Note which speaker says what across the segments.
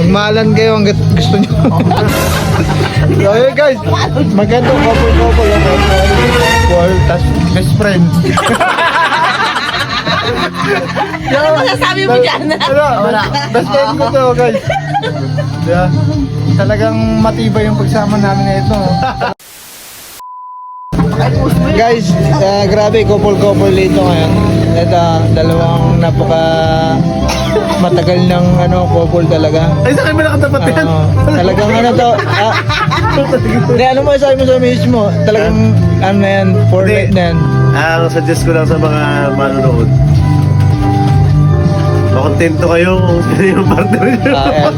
Speaker 1: Magmahalan kayo hanggat gusto nyo. So yun guys, maganda couple, tas best friend.
Speaker 2: Ano masasabi mo dyan?
Speaker 1: Wala. Best friend ko to guys. Yeah. Talagang matibay yung pagsama namin na ito. Guys, grabe couple dito ngayon. Ito, dalawang napaka matagal ng couple talaga.
Speaker 3: Ay, sa akin ba nakatapat yan?
Speaker 1: Talagang to. Hindi, ano mo sabi mo sa mismo? Talagang ano yan, for life na yan.
Speaker 3: Ang suggest ko lang sa mga manonood, makontento kayo kung sino yung partner nyo.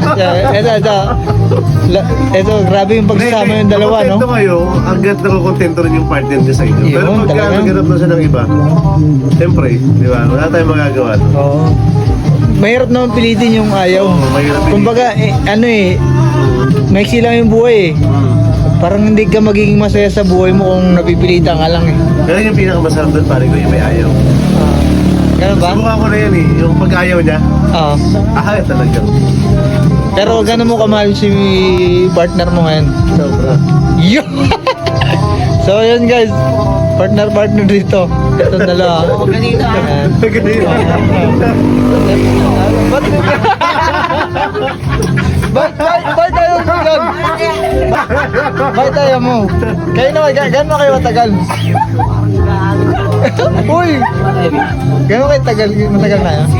Speaker 1: Ito, grabe yung pagsasama yung dalawa, no?
Speaker 3: Makontento kayo, hanggat nakukontento rin yung partner nyo sa inyo.
Speaker 1: Yun,
Speaker 3: Pero pagka
Speaker 1: talaga.
Speaker 3: naghanap na siya ng iba, siyempre, di ba? Wala tayong magagawa.
Speaker 1: Oo. Mahirap naman pilitin yung ayaw.
Speaker 3: Oo, mahirap pilitin.
Speaker 1: Kumbaga, maiksi lang yung buhay eh. Parang hindi ka magiging masaya sa buhay mo kung napipilitan ka lang eh.
Speaker 3: Pero yung pinakamasarap doon, pare ko, yung may ayaw.
Speaker 1: Ganun ba?
Speaker 3: Subukan ko na yan eh, yung pag-ayaw niya,
Speaker 1: Oo.
Speaker 3: talaga.
Speaker 1: Pero gano'n mo kamahal si partner mo ngayon?
Speaker 3: Sobra.
Speaker 1: Yo! So yun guys, partner dito. Itong dalawa.
Speaker 2: Huwag ka dito ah.
Speaker 1: Ayan. Ba't tayo ganyan? Ba't tayo mo? Kayo naman, gano'n kayo matagal? Uy! Gano'n kayo matagal na yun?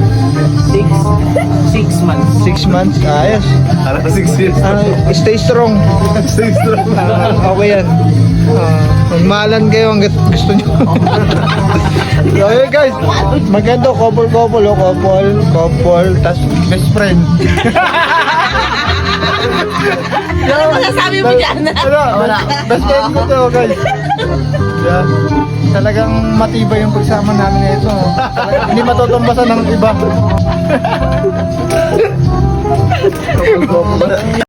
Speaker 2: 6 months.
Speaker 1: 6 months? Ayos.
Speaker 3: Parang 6 years.
Speaker 1: Stay strong.
Speaker 3: 6 years.
Speaker 1: Okay yan. Magmahalan kayo hanggat gusto nyo. So yun guys, maganda couple, tas best friend.
Speaker 2: Ano masasabi mo dyan?
Speaker 1: Wala. Best friend ko to guys. Yeah. Talagang matibay yung pagsama namin na ito. Hindi matutumbasan ng iba.